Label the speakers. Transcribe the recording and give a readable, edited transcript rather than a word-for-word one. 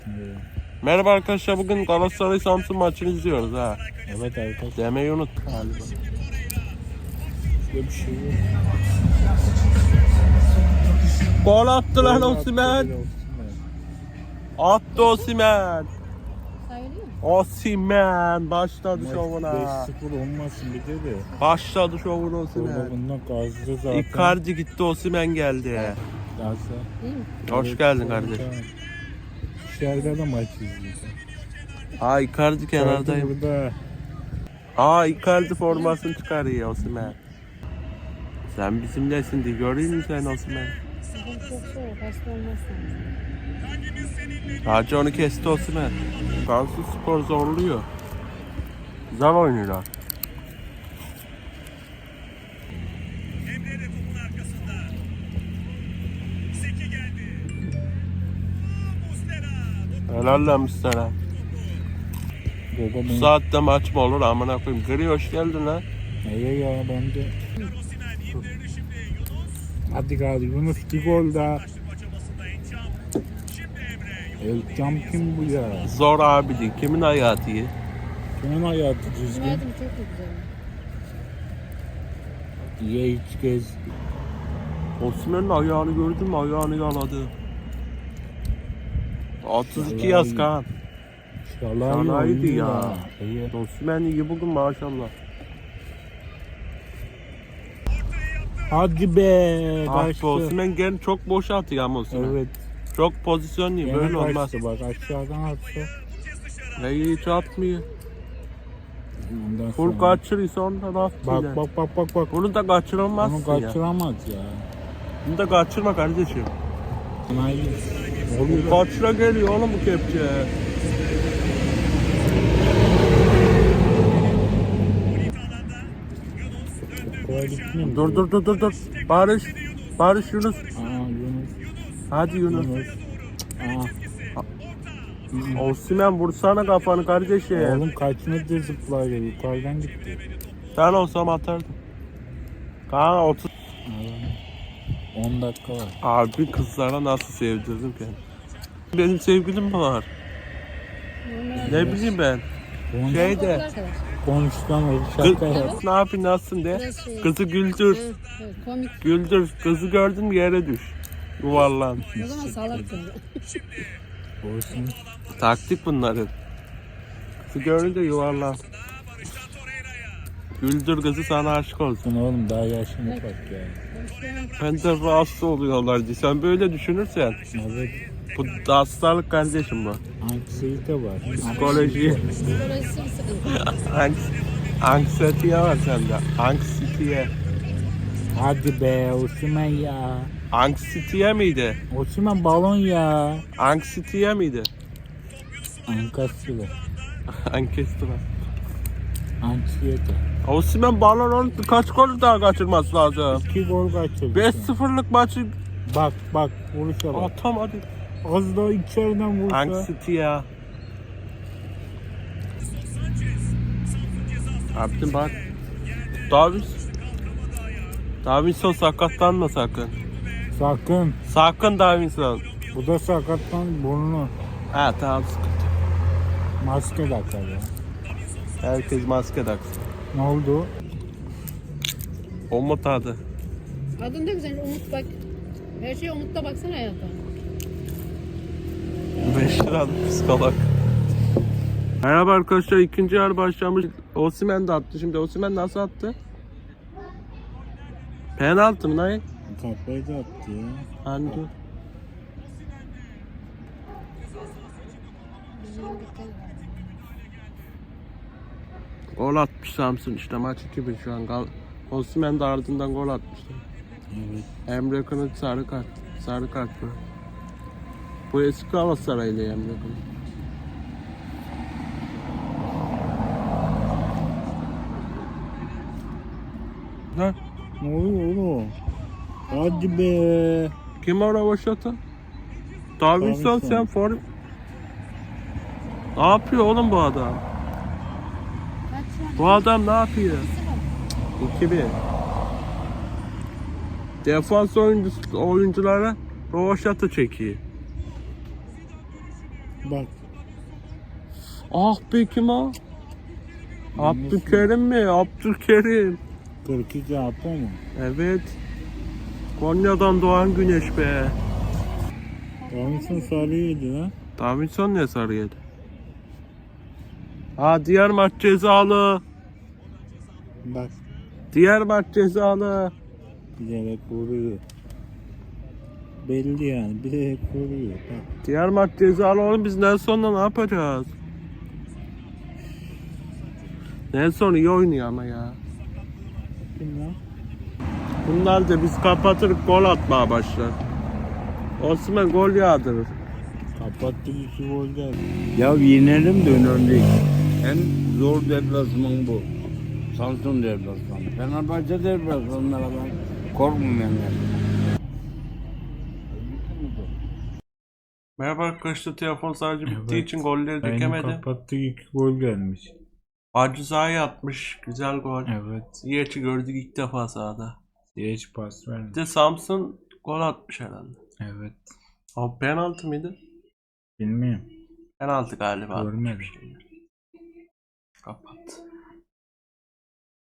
Speaker 1: Merhaba arkadaşlar, bugün Galatasaray Samsun maçını izliyoruz ha.
Speaker 2: Evet arkadaşlar.
Speaker 1: Demeyi unut galiba.
Speaker 2: Böyle bir şey yok.
Speaker 1: Gol attı lan Osimhen. Attı Osimhen. Osimhen başladı şovuna.
Speaker 2: 5-0 olmasın bir de.
Speaker 1: Başladı şovuna Osimhen.
Speaker 2: Bundan gazlı zaten.
Speaker 1: Icardi gitti, Osimhen geldi.
Speaker 2: Gazlı.
Speaker 1: Hoş geldin kardeşim.
Speaker 2: Dışarıda da maç izliyoruz.
Speaker 1: Ha, Icardi kenardayım.
Speaker 2: Burada.
Speaker 1: Ha, Icardi formasını çıkarıyor Osimhen. Sen bizimlesin diye göreyim mi sen Osimhen?
Speaker 3: Çok soğuk, hasta olmazsan.
Speaker 1: Hacı onu kesti Osimhen. Samsun Spor zorluyor. Güzel oynuyorlar. Helal lan Müslüman. Bu saatte maç mı olur amına koyayım? Gri hoş geldin lan.
Speaker 2: Neye ya bence. Hadi gari Yunus bir gol daha. Elçam kim bu ya?
Speaker 1: Zor abi değil. Kimin hayatı iyi?
Speaker 2: Kimin hayatı düzgün?
Speaker 3: Günaydın, çok da güzel.
Speaker 2: Ye iç gez.
Speaker 1: Osimhen'in ayağını gördün mü? Ayağını yaladı. 32 yaz Kaan. Şalaydı ya. Osimhen iyi bugün maşallah.
Speaker 2: Hadi be.
Speaker 1: Ah be,
Speaker 2: Kaçtı.
Speaker 1: Osimhen gene çok boş atıyor ama Osimhen.
Speaker 2: Evet.
Speaker 1: Çok pozisyonlu,
Speaker 2: Gene
Speaker 1: böyle olmaz.
Speaker 2: kaçtı, bak aşağıdan atsa.
Speaker 1: Ne hiç atmıyor.
Speaker 2: Ondan
Speaker 1: Full
Speaker 2: sonra-
Speaker 1: kaçırırsa ondan atmıyor.
Speaker 2: Bak.
Speaker 1: Bunu da kaçıramazsın
Speaker 2: Onu
Speaker 1: ya.
Speaker 2: kaçıramaz ya.
Speaker 1: Bunu da kaçırma kardeşim.
Speaker 2: Hayır. Oluyor.
Speaker 1: Kaçıra geliyor oğlum bu kepçe.
Speaker 2: Kolay gitmiyor mu?
Speaker 1: Dur. Barış Yunus.
Speaker 2: Yunus.
Speaker 1: Hadi Yunus.
Speaker 2: Aa,
Speaker 1: Osimhen vursana kafanı kardeşim.
Speaker 2: oğlum kaç metre zıplayla yukarıdan gitti.
Speaker 1: Ben olsam atardım. Kaan 30.
Speaker 2: 10 dakika var.
Speaker 1: Abi kızlara nasıl sevdirdim kendimi. Benim sevgilim mi var? Ne bileyim ben. Şeyde.
Speaker 2: Konuştan olur
Speaker 1: Kız,
Speaker 2: şaka yap.
Speaker 1: ne yapayım nasılsın de. Kızı güldür.
Speaker 3: Evet, komik.
Speaker 1: Güldür. Kızı gördün mü yere düş. Yuvarlan.
Speaker 3: O zaman salaksın.
Speaker 2: Olsun.
Speaker 1: Taktik bunların. Kızı görünce yuvarlan. Güldür kızı, sana aşık olsun.
Speaker 2: Oğlum daha yaşını bak ya.
Speaker 1: Ben de rahatsız oluyorlar diye. Sen böyle düşünürsen.
Speaker 2: Evet.
Speaker 1: Bu da hastalık kardeşim bu.
Speaker 2: Anksiyete var.
Speaker 1: Psikoloji.
Speaker 3: Psikolojisi bir sıkıntı.
Speaker 1: Anksiyete var sende. Anksiyete.
Speaker 2: Hadi be Osman ya.
Speaker 1: Anksiyete miydi?
Speaker 2: Osman balon ya.
Speaker 1: Anksiyete miydi?
Speaker 2: Ankasıyla.
Speaker 1: Ankestra.
Speaker 2: Anksiyete.
Speaker 1: Osimhen balon onu kaç gol daha kaçırması lazım?
Speaker 2: 2 gol kaçırdı.
Speaker 1: 5-0'lık maçı
Speaker 2: Bak vuruşa bak.
Speaker 1: atamadı.
Speaker 2: Az daha içeriden vursa.
Speaker 1: Anksiyete ya. Abdin bak. Davinson sakatlanma sakın.
Speaker 2: Sakın.
Speaker 1: Sakın Davinson.
Speaker 2: Bu da sakattan burnunu.
Speaker 1: Ha tamam, sıkıntı.
Speaker 2: Maske takar ya.
Speaker 1: Herkes maske taksın.
Speaker 2: Ne oldu?
Speaker 1: Umut adı.
Speaker 3: Adın da güzel, Umut bak. Her şey Umut'ta baksana hayata.
Speaker 1: 5 liralık psikolog. Merhaba arkadaşlar, ikinci yarı başlamış. Osimhen de attı. Şimdi Osimhen nasıl attı? Penaltı mı lan?
Speaker 2: Kafayı da attı ya.
Speaker 1: Hani dur. Gol atmış Samsun, işte maç 2-1 şu an. Osimhen de ardından gol atmıştı.
Speaker 2: Evet.
Speaker 1: Emre Kılıç sarı kart. Sarı kart bu. Bu eski Galatasaraylı Emre Kılıç. Ha?
Speaker 2: Ne oluyor oğlum? Hadi be.
Speaker 1: Kim orada boşatı? Davinson,
Speaker 2: Davinson.
Speaker 1: sen form. Ne yapıyor oğlum bu adam? Bu adam ne yapıyor? 2-1. Defans oyunculara rovaşata çekiyor.
Speaker 2: Bak.
Speaker 1: Ah be kim o? Abdülkerim mi? Abdülkerim.
Speaker 2: 42 Apo mu?
Speaker 1: Evet. Konya'dan doğan güneş be.
Speaker 2: Davinson Sarı'ydı lan.
Speaker 1: Davinson ne sarı yedi? Ha diğer maç cezalı.
Speaker 2: Bak.
Speaker 1: Diğer maç cezalı.
Speaker 2: Bilerek vuruyor. Belli yani. Bilerek vuruyor. Bak.
Speaker 1: Diğer maç cezalı oğlum, biz Nelson'la ne yapacağız? Nelson iyi oynuyor ama ya.
Speaker 2: Kim lan?
Speaker 1: Bunlar da biz kapatırıp gol atmaya başlar. Osman gol yağdırır.
Speaker 2: Kapattı 2 gol geldi.
Speaker 4: Ya yenelim de önemli değil. En zor deplasman bu. Samsun deplasmanı. Fenerbahçe deplasmanlara ben korkmuyorum yani.
Speaker 1: Merhaba arkadaşlar, telefon sadece bittiği için golleri
Speaker 2: Aynı
Speaker 1: dökemedi.
Speaker 2: kapattık 2 gol gelmiş.
Speaker 1: Aciza'yı atmış, güzel gol.
Speaker 2: Evet.
Speaker 1: Ziyech'i gördük ilk defa sahada.
Speaker 2: Hiç pas
Speaker 1: Bir
Speaker 2: vermiş.
Speaker 1: de Samsun gol atmış herhalde.
Speaker 2: Evet.
Speaker 1: Ama penaltı mıydı?
Speaker 2: Bilmiyorum.
Speaker 1: Penaltı galiba.
Speaker 2: Görmedim.
Speaker 1: Kapat.